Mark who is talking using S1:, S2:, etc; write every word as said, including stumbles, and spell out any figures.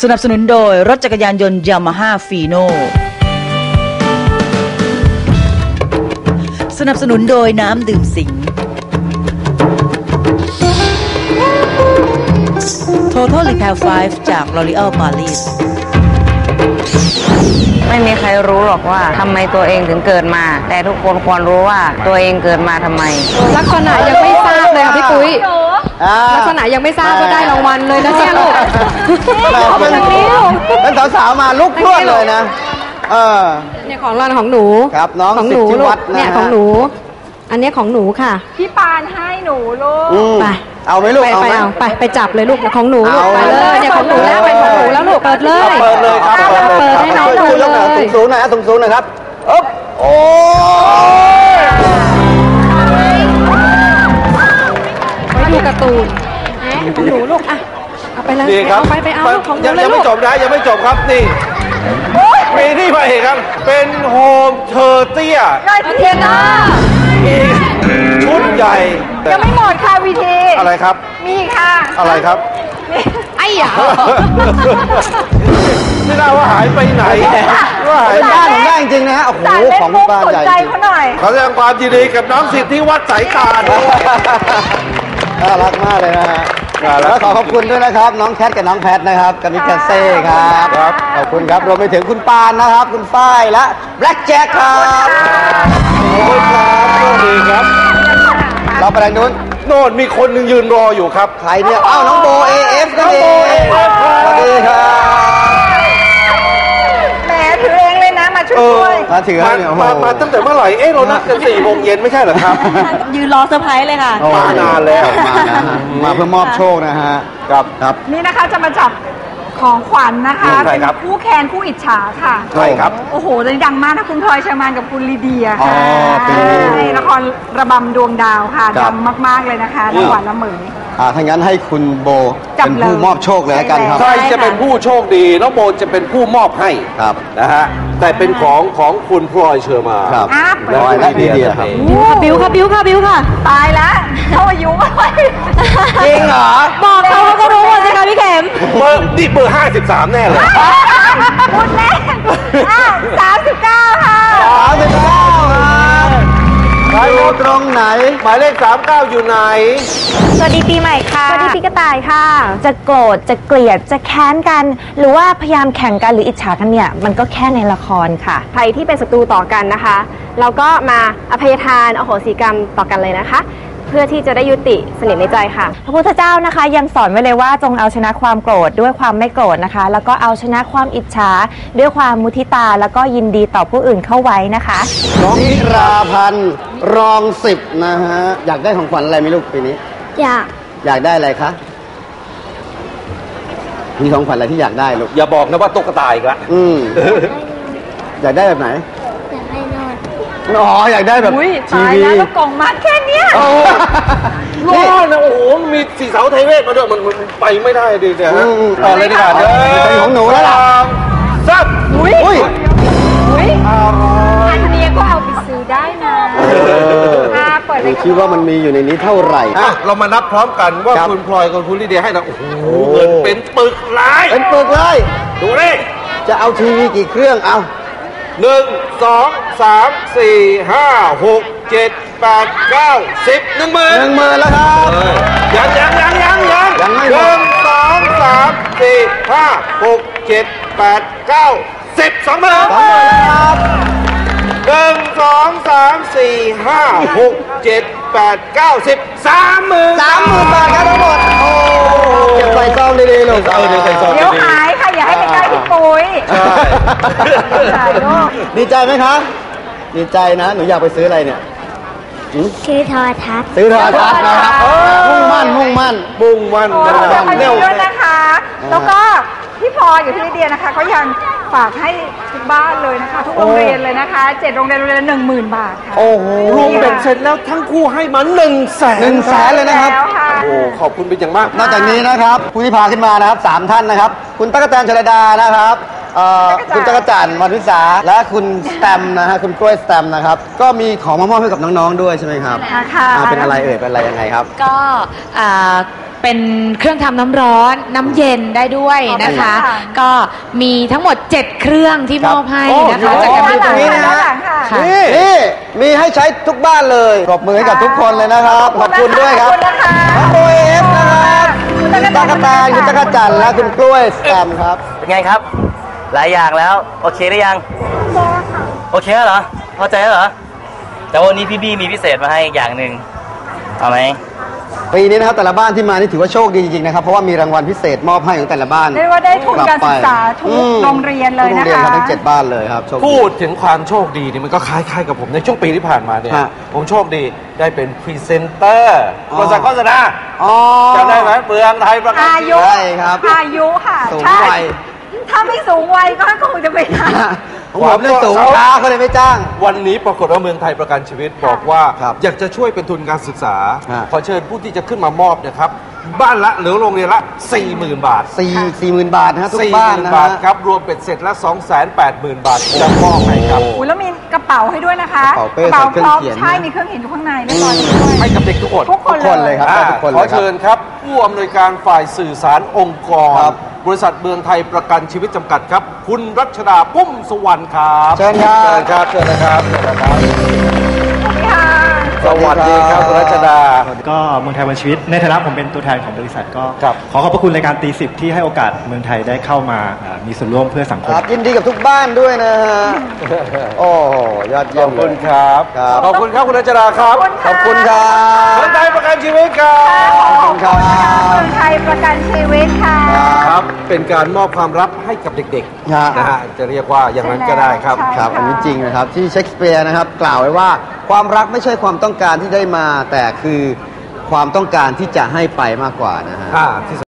S1: สนับสนุนโดยรถจักรยานยนต์ยามาฮ่าฟีโน่สนับสนุนโดยน้ำดื่มสิง Total Repair ไฟว์ จาก L'Oréal Paris
S2: ไม่มีใครรู้หรอกว่าทำไมตัวเองถึงเกิดมาแต่ทุกคนควรรู้ว่าตัวเองเกิดมาทำไม
S3: ลักษณะยังไม่ทราบเลยค่ะพี่ปุ้ยลักษณะยังไม่ทราบว่าได้รางวัลเลยนะเนี่ยลูก
S4: เราเป็นเป็นสาวๆมาลุกพรวดเลยนะเออ
S3: เนี่ยของเราของหนู
S4: ครับน้องสิทธิวัฒน์
S3: เนี่ยของหนูอันนี้ของหนูค่ะ
S5: พี่ปานให้หนูลูก
S3: ไป
S4: เอาไหมลูก
S3: เอาไปเอาไปไปจับเลยลูกของหนูลูกไปเลยเนี่ยของหนูแล้วไปของหนูแล้วลูกเปิดเลย
S4: เปิดเลยครับ
S3: เปิดให้น้องดูเลย
S4: สูงๆหน่อยนะสูงๆหน่อยครับอ๊บโอ้
S3: ไปดูการ์ตูนของหนูลูกอ่ะเอาไปเลยเอาไปไปเอาลูกของหนูเลยลูก
S4: ยังไม่จบนะยังไม่จบครับนี่มีที่มาเห็นครับเป็นโฮมเทอร์เตีย
S5: ได้พี่เทียน่า
S4: มีชุดใหญ่
S5: ยังไม่หมดค่ะวีที
S4: อะไรครับ
S5: มีค่ะ
S4: อะไรครับ
S5: ไอ้ยา
S4: ไม่น่าว่าหายไปไหนว่าหายบ้านผมได้จริงๆนะฮะโอ้โหของบ้านใหญ่จริงขอแสดงความยินดีกับน้องสิทธิวัฒน์สายการน่ารักมากเลยนะฮะแล้วขอขอบคุณด้วยนะครับน้องแคทกับน้องแพทนะครับกับมิกาเซ่ครับขอบคุณครับรวมไปถึงคุณปานนะครับคุณฝ้ายและแบล็คแจ็คครับขอบคุณครับสวัสดีครับเราไปทางนู้นโน่นมีคนหนึ่งยืนรออยู่ครับใครเนี่ยอ้าวน้องโบ เอ เอฟ นั่นเองสวัสดีครับ
S5: แหมถือเองเลยนะมาช่วย
S4: มาถือมามาตั้งแต่เมื่อไหร่เอ๊ะเรานัดกันสี่โมงเย็นไม่ใช่เหรอครับ
S3: ยืนรอเซอร์ไพรส์เลยค่ะ
S4: มานานแล้วมานะมาเพื่อมอบโชคนะฮะครับครับ
S5: นี่นะคะจะมาจับของขวัญนะคะเป็นคู่แคนคู่อิจฉาค่ะ
S4: ใช่ครับ
S5: โอ้โหเลยดังมากนะคุณพลอยเชอร์มานกับคุณลีเดียค่ะในละครระบำดวงดาวค่ะดังมากๆเลยนะคะละหวานละเหมย
S4: อ่าถ้างั้นให้คุณโบเป็นผู้มอบโชคเลยกันครับ
S6: ใครจะเป็นผู้โชคดีน้องโบจะเป็นผู้มอบให้
S4: ครับ
S6: นะฮะแต่เป็นของของคุณพลอยเชอร์มาน
S4: ครับพลอยและลีเดียครับ
S3: บิวค่ะบิวค่ะบิวค่ะ
S5: ตายแล้วเขาอายุไม่
S4: จริงเหรอ
S3: บอกเขาเขาก็รู้หมดสิคะพี่เข็ม
S6: เบอร์นี่เบอร์ห้าสิบสามแน่เลย
S5: พูดเล่นสามสิบเก้าค่ะ
S4: สามสิบเก้าครับไปดูตรงไหนหมายเลขสามเก้าอยู่ไหน
S7: สวัสดีปีใหม่ค่ะสวัสดีปีกระต่ายค่ะจะโกรธจะเกลียดจะแค้นกันหรือว่าพยายามแข่งกันหรืออิจฉากันเนี่ยมันก็แค่ในละครค่ะ
S8: ใครที่เป็นศัตรูต่อกันนะคะเราก็มาอภัยทานอโหสิกรรมต่อกันเลยนะคะเพื่อที่จะได้ยุติสนิทในใจค่ะ
S7: พระพุทธเจ้านะคะยังสอนไว้เลยว่าจงเอาชนะความโกรธด้วยความไม่โกรธนะคะแล้วก็เอาชนะความอิจฉาด้วยความมุทิตาแล้วก็ยินดีต่อผู้อื่นเข้าไว้นะคะ
S4: น้องนิราพันธ์รองสิบนะฮะอยากได้ของขวัญอะไรไหมลูกปีนี้
S7: อยาก
S4: อยากได้อะไรคะมีของขวัญอะไรที่อยากได้ลูก
S6: อย่าบอกนะว่าตุ๊กตาอีกละ
S4: อืมอยากได้แบบไหน
S7: อยากได้นอน
S4: อ๋ออยากได้แบบ
S5: ทีวีแล้วกล่องมัดแค่นี้
S6: นอนนะโอ้โหมีสีเสาไทยเวทมาด้วยมันมันไปไม่ได้ดิเนี่ยฮะต่อเลยดีกว่าเด้อ
S4: เป็นของหนูแล้วล่ะ
S6: ซับ
S5: อุ้ยอุ้ยอุ้ยอันนี้ก็เอาไปซื้อได้นะ
S4: เปิดเลยคิดว่ามันมีอยู่ในนี้เท่าไหร่
S6: เรามานับพร้อมกันว่าคุณพลอยกับคุณลิเดียให้เราโอ้โหเงินเป็นปึกเลย
S4: เป็นปึกเลย
S6: ดูดิ
S4: จะเอาทีวีกี่เครื่องเอา
S6: หนึ่งสองสามสี่ห้าหกเจ็ดแปดเก้าสิบหนึ่งหมื่น
S4: หนึ่งหมื่นแล้วครับ
S6: ยังยังยังยังยัง
S4: ยังไม่
S6: หนึ่งสองสามสี่ห้าหกเจ็ดแปดเก้าสิบสองหมื่น
S4: สองหมื่นแล้วครับ
S6: หนึ่งสองสามสี่ห้าหกเจ็ดแปดเก้าสิบสามหมื่น
S4: สามหมื่นบาทครับทั้งหมดโอ้เก็บใส่ซองดีๆลูก
S6: เออเดี๋ยวใส่ซองดีๆ
S5: เดี๋ยวหายค่ะอย่าให้ไปใกล้พี่ปุ้ย
S4: ใช่ดีใจไหมครับดีใจนะหนูอยากไปซื้ออะไรเนี่ย
S7: ซื้อโทรทัศน์
S4: ซื้อโทรทัศน์นะครับมุ่งมั่นมุ่งมั่นมุ่งมั่น
S5: เร็วด้วยนะคะแล้วก็พี่พลอยกับพี่ลิเดียนะคะก็ยังฝากให้ทุกบ้านเลยนะคะทุกโรงเรียนเลยนะคะเจ็ดโรงเรียนโรงเรียนละหนึ่งหมื่นบาทค่ะ
S4: โอ้โห
S6: รวมเป็นเสร็จแล้วทั้งคู่ให้มาหนึ่งแสน
S4: หนึ่งแสนเลยนะครับ
S6: โอ้ขอบคุณเป็นอย่างมาก
S4: นอกจากนี้นะครับผู้ที่พาขึ้นมานะครับสามท่านนะครับคุณตั๊กแตนชลดานะครับคุณจักรจันทร์วรรณวิสาและคุณสแตมนะฮะคุณกล้วยสแตมนะครับก็มีของมามอบให้กับน้องๆด้วยใช่ไหมครับ
S5: ค่ะ
S4: เป็นอะไรเอ่ยเป็นอะไรยังไงครับ
S7: ก็
S3: เป็นเครื่องทำน้ำร้อนน้ำเย็นได้ด้วยนะคะ ก็มีทั้งหมดเจ็ดเครื่องที่มอบให้นะคะจากการดูตรงนี้นะ
S4: นี่นี่มีให้ใช้ทุกบ้านเลยปรบมือให้กับทุกคนเลยนะครับขอบคุณด้วยครับน้องโอเอฟนะครับคุณตากระตายคุณจักรจันทร์และคุณกล้วยแซมครับ
S9: เป็นไงครับหลายอย่างแล้วโอเคหรือยังโอเคแล้วเหรอพอใจแล้วเหรอแต่วันนี้พี่บี้มีพิเศษมาให้อย่างหนึ่งเอาไหม
S4: ปีนี้นะครับแต่ละบ้านที่มานี่ถือว่าโชคดีจริงๆนะครับเพราะว่ามีรางวัลพิเศษมอบให้ของแต่ละบ้าน
S5: เรียกว่าได้ทุนการศึกษาทุกโรงเรียนเลยนะคะทุกโรงเรียนครับทั้งเจ็ดบ้านเลยครับ
S6: พูดถึงความโชคดีนี่มันก็คล้ายๆกับผมในช่วงปีที่ผ่านมาเนี่ยผมโชคดีได้เป็นพรีเซนเตอร์บริษัทโฆษณาจำได้ไหมเมืองไทยประกัน
S5: อายุอายุค่ะ
S4: สูงวัย
S5: ถ้าไม่สูงวัยก็คงจะไม่ได้
S4: ผมเรื่องสูงช้าเขาเลยไม่จ้าง
S6: วันนี้ปรากฏว่าเมืองไทยประกันชีวิตบอกว่าอยากจะช่วยเป็นทุนการศึกษาขอเชิญผู้ที่จะขึ้นมามอบนะครับบ้านละหรือโรงเรียนละ สี่หมื่น บาท
S4: สี่สี่หมื่นบาทนะทุกบ้านนะ
S6: บาทครับรวมเป็นเสร็จละ สองแสนแปดหมื่น บาทจะมอบให้ครับ
S5: โอ้แล้วมีกระเป๋าให้ด้วยนะคะ
S4: กระเป๋าเป้ใส่เครื่องเขียน
S5: ใช่มีเครื่องเขียนอยู่ข้างในเรียบร้อยด้วย
S6: ให้กับเด็กทุกคน
S5: ทุกคน
S4: เลยครับทุกคน
S6: ขอเชิญครับผู้อำนวยการฝ่ายสื่อสารองค์กรบริษัทเมืองไทยประกันชีวิตจำกัดครับคุณรัชดาปุ้มสุวรรณครับ
S4: เชิญครับ
S6: เชิญนะครับเชิญนะครับสวัสดีครับคุณรัชดา
S10: ก็เมืองไทยประกันชีวิตในฐานะผมเป็นตัวแทนของบริษัทก็ขอขอบพระคุณรายการตีสิบที่ให้โอกาสเมืองไทยได้เข้ามามีส่วนร่วมเพื่อสังคม
S4: ยินดีกับทุกบ้านด้วยนะฮะโอ้ยอดเยี่ยม
S6: ขอบคุณครับขอบคุณครับคุณรัชดาครับ
S4: ขอบคุณครับ
S6: เมืองไทยประกันชีวิตครับ
S5: ขอบคุณครับเมืองไทยประกันชีวิตค่ะ
S6: ครับเป็นการมอบความรักให้กับเด็กๆนะฮะจะเรียกว่าอย่างนั้นก็ได้ครับ
S4: ครับอันนี้จริงนะครับที่เชคสเปียร์นะครับกล่าวไว้ว่าความรักไม่ใช่ความต้องการที่ได้มาแต่คือความต้องการที่จะให้ไปมากกว่านะฮะ